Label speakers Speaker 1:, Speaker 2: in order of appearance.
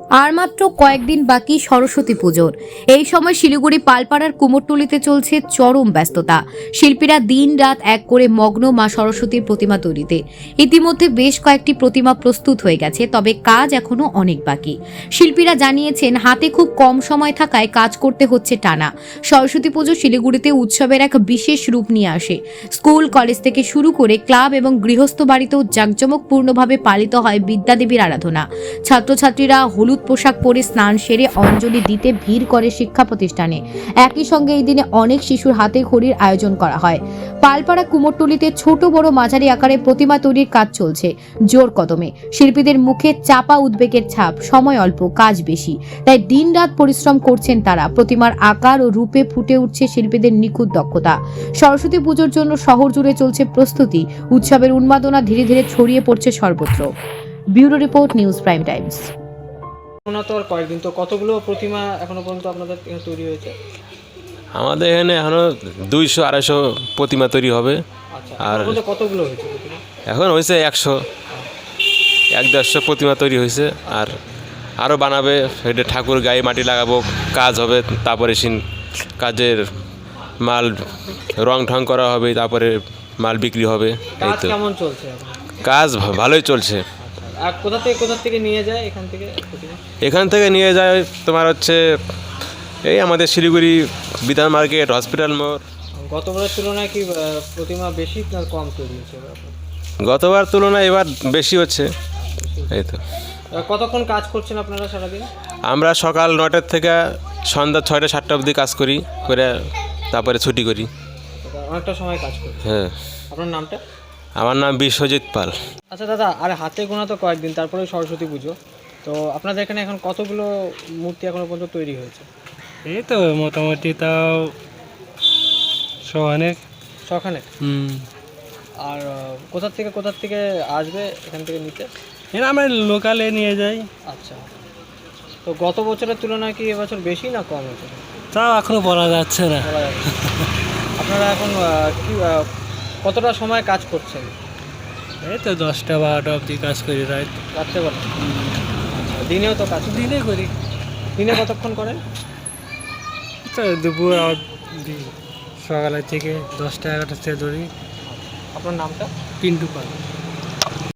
Speaker 1: আর মাত্র কয়েকদিন বাকি সরস্বতী পুজোর। এই সময় শিলিগুড়ি পালপাড়ার কুমোরটুলিতে চলছে চরম ব্যস্ততা। শিল্পীরা দিন রাত এক করে মগ্ন মা সরস্বতীর প্রতিমা তৈরিতে। ইতিমধ্যে বেশ কয়েকটি প্রতিমা প্রস্তুত হয়ে গেছে, তবে কাজ এখনো অনেক বাকি। শিল্পীরা জানিয়েছেন হাতে খুব কম সময় থাকায় কাজ করতে হচ্ছে টানা। সরস্বতী পুজো শিলিগুড়িতে উৎসবের এক বিশেষ রূপ নিয়ে আসে। স্কুল কলেজ থেকে শুরু করে ক্লাব এবং গৃহস্থ বাড়িতেও জাঁকজমকপূর্ণভাবে পালিত হয় বিদ্যাদেবীর আরাধনা। ছাত্রছাত্রীরা হলুদ পোশাক পরে স্নান সেরে অঞ্জলি দিতে ভিড় করে শিক্ষা প্রতিষ্ঠানে। একই সঙ্গে এই দিনে অনেক শিশুর হাতে খড়ির আয়োজন করা হয়। পালপাড়া কুমোরটুলিতে ছোট বড় মাঝারি আকারে প্রতিমা তৈরির কাজ চলছে জোর কদমে। শিল্পীদের মুখে চাপা উদ্বেগের ছাপ, সময় অল্প, কাজ বেশি, তাই দিন রাত পরিশ্রম করছেন তারা। প্রতিমার আকার ও রূপে ফুটে উঠছে শিল্পীদের নিখুঁত দক্ষতা। সরস্বতী পুজোর জন্য শহর জুড়ে চলছে প্রস্তুতি। উৎসবের উন্মাদনা ধীরে ধীরে ছড়িয়ে পড়ছে সর্বত্র। Bureau report, news prime times.
Speaker 2: তো আর কয়েকদিন, তো কতগুলো প্রতিমা এখনো পর্যন্ত আপনাদের এখানে তৈরি হয়েছে?
Speaker 3: আমাদের এখানে এখনও 200-250 প্রতিমা তৈরি হবে।
Speaker 2: আচ্ছা,
Speaker 3: আর
Speaker 2: কতগুলো হয়েছে প্রতিমা?
Speaker 3: এখন হয়েছে 100-150 প্রতিমা তৈরি হয়েছে। আর আরও বানাবে, এটা ঠাকুর গায়ে মাটি লাগাবো, কাজ হবে, তারপরে কাজের মাল রং ঠং করা হবে, তারপরে মাল বিক্রি হবে। এই
Speaker 2: কাজ
Speaker 3: তো
Speaker 2: কেমন চলছে এখন?
Speaker 3: কাজ ভালোই চলছে।
Speaker 2: আর কোথা থেকে নিয়ে যায় এখান থেকে প্রতিমা?
Speaker 3: এখান থেকে নিয়ে যায় তোমার হচ্ছে এই আমাদের শিলিগুড়ি বিধান মার্কেট, হসপিটাল মোড়।
Speaker 2: গতবারের তুলনায় কি প্রতিমা বেশি না কম তৈরি হয়েছে এবার?
Speaker 3: গতবার তুলনায় এবার বেশি হচ্ছে। এই তো
Speaker 2: কতক্ষণ কাজ করছেন আপনারা সারাদিন?
Speaker 3: আমরা সকাল 9টার থেকে সন্ধ্যা 6টা-7টা অবধি কাজ করে তারপরে ছুটি করি।
Speaker 2: অনেকটা সময় কাজ করছেন।
Speaker 3: হ্যাঁ।
Speaker 2: আপনার নামটা?
Speaker 3: আমার নাম বিশ্বজিৎ পাল।
Speaker 2: আচ্ছা দাদা, আর হাতে গোনা তো কয়েকদিন, তারপরে সরস্বতী পুজো। তো আপনাদের এখানে এখন কতগুলো মূর্তি এখনো পর্যন্ত তৈরি হয়েছে?
Speaker 4: এই তো মোটামুটি তাও অনেক
Speaker 2: সখানে। আর কোথা থেকে আসবে এখান থেকে নিতে?
Speaker 4: এরা আমরা লোকালে নিয়ে যাই।
Speaker 2: আচ্ছা, তো গত বছরের তুলনায় কি এবছর বেশি না কম হয়েছে?
Speaker 4: তাও এখনো বলা যাচ্ছে না।
Speaker 2: বলা যাচ্ছে না। আপনারা এখন কতটা সময় কাজ করছেন?
Speaker 4: এই তো 10টা-12টা অবধি কাজ করি, রাত
Speaker 2: রাত্রে কটা? আচ্ছা, দিনেও তো কাজ?
Speaker 4: দিনে করি।
Speaker 2: দিনে কতক্ষণ করেন?
Speaker 4: তো দুপুর অবধি, সকালের থেকে 10টা-11টা থেকে ধরি।
Speaker 2: আপনার নামটা?
Speaker 4: পিন্টু পাল।